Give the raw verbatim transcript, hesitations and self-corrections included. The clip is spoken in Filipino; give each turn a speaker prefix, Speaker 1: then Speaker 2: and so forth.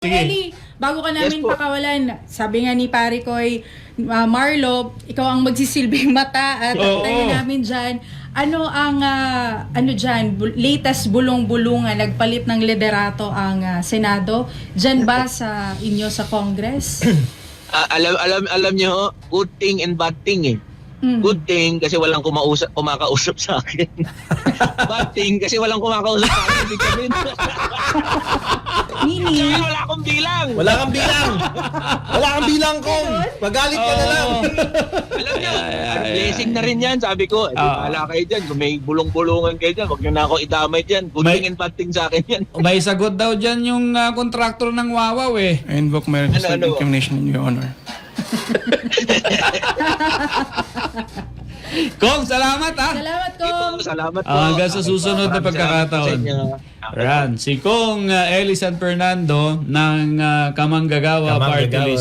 Speaker 1: Sige.
Speaker 2: Eli, bago ka namin
Speaker 3: Yes po.
Speaker 2: pakawalan, sabi nga ni pare ko'y uh, Marlo, ikaw ang magsisilbing mata at
Speaker 1: Oo.
Speaker 2: tayo namin dyan. Ano ang ah, ano dyan, bu- latest bulong-bulungan, nagpalit ng liderato ang ah, Senado? Dyan ba sa inyo sa Congress?
Speaker 3: Ah, alam alam alam niyo, good thing and bad thing eh.
Speaker 2: Mm.
Speaker 3: Good thing kasi walang kumausap, kumakausap sa akin. Bad thing kasi walang kumakausap sa akin. Ibig sabihin,
Speaker 2: Mini,
Speaker 3: kaya wala akong bilang.
Speaker 1: Wala kang bilang. Wala kang bilang kong. Magalit ka na lang.
Speaker 3: Alam niyo,
Speaker 1: Ay, ay, ay,
Speaker 3: blessing na rin yan. Sabi ko, eh,
Speaker 1: Ah.
Speaker 3: bahala kayo dyan. Kung may bulong-bulungan kayo dyan, huwag niyo na ako idamay dyan. Good
Speaker 4: May-
Speaker 3: thing and bad thing sa akin yan.
Speaker 4: May sagot daw dyan yung uh, kontraktor ng Wawaw eh.
Speaker 5: I invoke my
Speaker 3: Ano,
Speaker 5: registered
Speaker 3: ano?
Speaker 5: incrimination in your honor.
Speaker 4: Kong, salamat ha!
Speaker 2: salamat ko.
Speaker 3: Ito, salamat po.
Speaker 4: Ah, hanggang sa susunod na
Speaker 3: Maraming
Speaker 4: pagkakataon.
Speaker 3: salamat sa inyo.
Speaker 4: Ran, si Kong uh, Eli San Fernando ng uh, Kamanggagawa
Speaker 1: Kamanggagawa.
Speaker 4: Party List.